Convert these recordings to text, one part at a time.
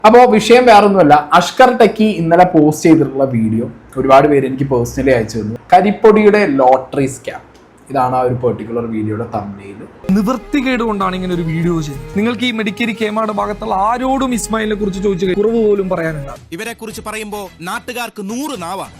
അപ്പോൾ വിഷയം വേറൊന്നുമല്ല, അഷ്കർ ടെക്കി ഇന്നലെ പോസ്റ്റ് ചെയ്തിട്ടുള്ള വീഡിയോ ഒരുപാട് പേര് എനിക്ക് പേഴ്സണലി അയച്ചു തന്നു. കരിപ്പൊടിയുടെ ലോട്ടറി സ്കാം. ഇതാണ് ആ ഒരു പെർട്ടിക്കുലർ വീഡിയോയുടെ തംബ്നെയിൽ. നിവൃത്തികേട് കൊണ്ടാണ് ഇങ്ങനെ ഒരു വീഡിയോ ചെയ്യുന്നത്. നിങ്ങൾക്ക് ഈ മെഡിക്കരി കേമാട് ഭാഗത്തുള്ള ആരോടും ഇസ്മായിലിനെ കുറിച്ച് ചോദിച്ചു കുറവ് പോലും പറയാനുണ്ടാവും. ഇവരെ കുറിച്ച് പറയുമ്പോൾ നാട്ടുകാർക്ക് 100 നാവാണ്.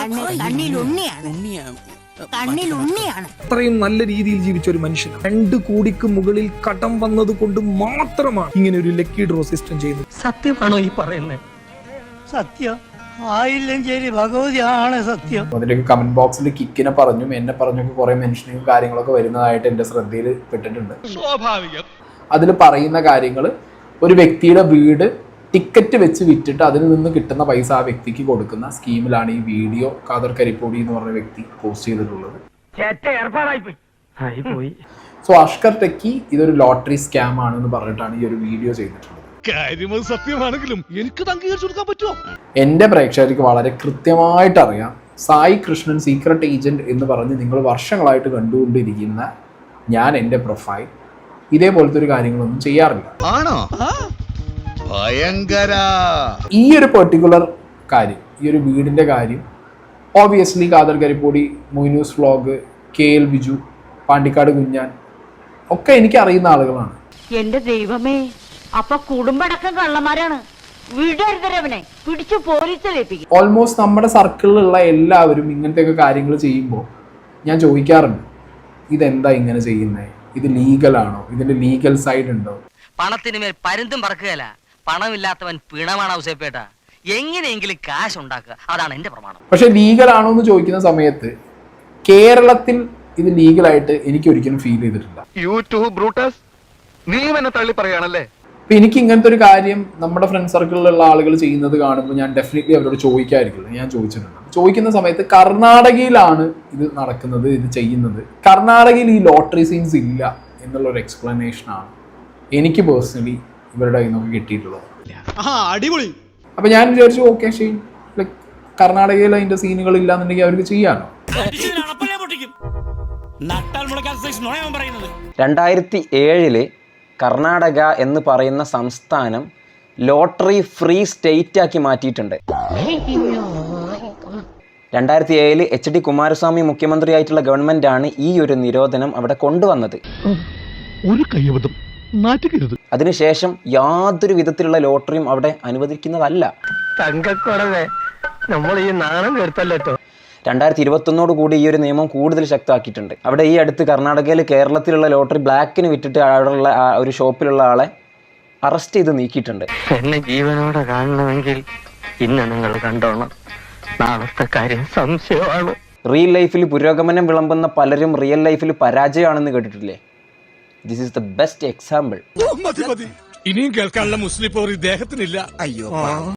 അത്രയും നല്ല രീതിയിൽ ജീവിച്ച ഒരു മനുഷ്യൻ 2 കോടിക്ക് മുകളിൽ കടം വന്നത് കൊണ്ട് മാത്രമാണ് ഇങ്ങനെ ഒരു ലക്കി ഡ്രോ സിസ്റ്റം ചെയ്യുന്നത്. സത്യമാണോ ഈ പറയുന്നത്? സത്യം ആയില്ലെങ്കിൽ ഭഗവതിയാണ് സത്യം. അതിലേക്ക് കമന്റ് ബോക്സിൽ കിക്കിനെ പറഞ്ഞും എന്നെ പറഞ്ഞൊക്കെ കുറെ മെൻഷനിങ്ങും കാര്യങ്ങളൊക്കെ വരുന്നതായിട്ട് എന്റെ ശ്രദ്ധയിൽ പെട്ടിട്ടുണ്ട്. സ്വാഭാവികം. അതിൽ പറയുന്ന കാര്യങ്ങൾ, ഒരു വ്യക്തിയുടെ വീട് ടിക്കറ്റ് വെച്ച് വിറ്റിട്ട് അതിൽ നിന്ന് കിട്ടുന്ന പൈസ ആ വ്യക്തിക്ക് കൊടുക്കുന്ന സ്കീമിലാണ് ഈ വീഡിയോ ഖാദർ കരിപ്പൊടി എന്ന് പറഞ്ഞ വ്യക്തി പോസ്റ്റ് ചെയ്തിട്ടുള്ളത്. സോ അഷ്കർ ടെക്കി ഇതൊരു ലോട്ടറി സ്കാം ആണെന്ന് പറഞ്ഞിട്ടാണ് ഈ ഒരു വീഡിയോ ചെയ്തിട്ടുള്ളത്. സത്യമാണെങ്കിലും എനിക്ക് അംഗീകരിച്ചു കൊടുക്കാൻ പറ്റുമോ? എന്റെ പ്രേക്ഷകർക്ക് വളരെ കൃത്യമായിട്ട് അറിയാം, സായി കൃഷ്ണൻ സീക്രട്ട് ഏജന്റ് എന്ന് പറഞ്ഞ് നിങ്ങൾ വർഷങ്ങളായിട്ട് കണ്ടുകൊണ്ടിരിക്കുന്ന ഞാൻ എൻ്റെ പ്രൊഫൈൽ ഇതേപോലത്തെ ഒരു കാര്യങ്ങളൊന്നും ചെയ്യാറില്ല. ആണോ? ഭയങ്കര. ഈ ഒരു പെർട്ടിക്കുലർ കാര്യം, ഈ ഒരു വീടിന്റെ കാര്യം obviously Khader Karippodi, Moinu's vlog, KL Biju, Pandikkad Kunjan ഒക്കെ എനിക്ക് അറിയുന്ന ആളുകളാണ്. എന്റെ ദൈവമേ, അപ്പൊ കുടുംബടക്കം കള്ളന്മാരാണ്. വിടരുതരവനെ പിടിച്ചു പോലീസിലേൽപ്പിക്കും. ഓൾമോസ്റ്റ് നമ്മുടെ സർക്കിളിലുള്ള എല്ലാവരും ഇങ്ങനത്തെയൊക്കെ കാര്യങ്ങൾ ചെയ്യുമ്പോൾ ഞാൻ ചോദിക്കാറുണ്ട്, ഇതെന്താ ഇങ്ങനെ ചെയ്യുന്നത്? ഇത് ലീഗലാണോ? ഇതിന്റെ ലീഗൽ സൈഡ് ഉണ്ടോ? പണത്തിന് മേൽ പരുന്തും പറക്കുകയല്ല, പണമില്ലാത്തവൻ പിണമാണ് ഔസേപ്പേട്ട. എങ്ങനെയെങ്കിലും കാശ് ഉണ്ടാക്കുക, അതാണ് എന്റെ പ്രമാണം. പക്ഷെ ലീഗലാണോ എന്ന് ചോദിക്കുന്ന സമയത്ത് കേരളത്തിൽ ഇത് ലീഗലായിട്ട് എനിക്ക് ഒരിക്കലും ഫീൽ ചെയ്തിട്ടില്ല. യൂട്യൂബ് ബ്രൂട്ടസ്, നീ എന്നെ തള്ളി പറയാണല്ലേ? അപ്പൊ എനിക്ക് ഇങ്ങനത്തെ ഒരു കാര്യം നമ്മുടെ ഫ്രണ്ട് സർക്കിളിലുള്ള ആളുകൾ ചെയ്യുന്നത് കാണുമ്പോൾ ഞാൻ ഡെഫിനറ്റ്ലി അവരോട് ചോദിക്കാതിരിക്കില്ല. ഞാൻ ചോദിച്ചിട്ടുണ്ട്. ചോദിക്കുന്ന സമയത്ത് കർണാടകയിലാണ് ഇത് നടക്കുന്നത്, ഇത് ചെയ്യുന്നത്, കർണാടകയിൽ ഈ ലോട്ടറി സീൻസ് ഇല്ല എന്നുള്ളൊരു എക്സ്പ്ലനേഷനാണ് എനിക്ക് പേഴ്സണലി ഇവരുടെ കയ്യിൽ നിന്നൊക്കെ കിട്ടിയിട്ടുള്ളത്. അടിപൊളി. അപ്പൊ ഞാൻ വിചാരിച്ചു, ഓക്കെ ശരി, ലൈക്ക് കർണാടകയിൽ അതിന്റെ സീനുകൾ ഇല്ലാന്നുണ്ടെങ്കിൽ അവർക്ക് ചെയ്യാനോ? 2007 കർണാടക എന്ന് പറയുന്ന സംസ്ഥാനം ലോട്ടറി ഫ്രീ സ്റ്റേറ്റ് ആക്കി മാറ്റിയിട്ടുണ്ട്. 2007 HD കുമാരസ്വാമി മുഖ്യമന്ത്രിയായിട്ടുള്ള ഗവൺമെന്റാണ് ഈ ഒരു നിരോധനം അവിടെ കൊണ്ടുവന്നത്. ഒരു കയ്യബദ്ധം, നാറ്റുകരുത്. അതിനുശേഷം യാതൊരു വിധത്തിലുള്ള ലോട്ടറിയും അവിടെ അനുവദിക്കുന്നതല്ല. തങ്കക്കുറവേ, നമ്മൾ ഈ നാണം കെടുത്തല്ലോ. 2021 കൂടി ഈ ഒരു നിയമം കൂടുതൽ ശക്തമാക്കിയിട്ടുണ്ട്. അവിടെ ഈ അടുത്ത് കർണാടകയിൽ കേരളത്തിലുള്ള ലോട്ടറി ബ്ലാക്കിന് വിറ്റിട്ട് അവിടെയുള്ള ഒരു ഷോപ്പിലുള്ള ആളെ അറസ്റ്റ് ചെയ്ത് നീക്കിയിട്ടുണ്ട്. എന്നെ ജീവനോടെ കാണണമെങ്കിൽ ഇന്ന് നിങ്ങൾ കണ്ടോണം. നാളത്തെ കാര്യം സംശയമാണ്. റിയൽ ലൈഫിൽ പുരോഗമനം വിളമ്പുന്ന പലരും റിയൽ ലൈഫിൽ പരാജയമാണെന്ന് കേട്ടിട്ടില്ലേ? This is the best example. ഇനിയും കേൾക്കാനുള്ള മുസ്ലിം പോർ ഇദ്ദേഹത്തിനില്ല. അയ്യോ.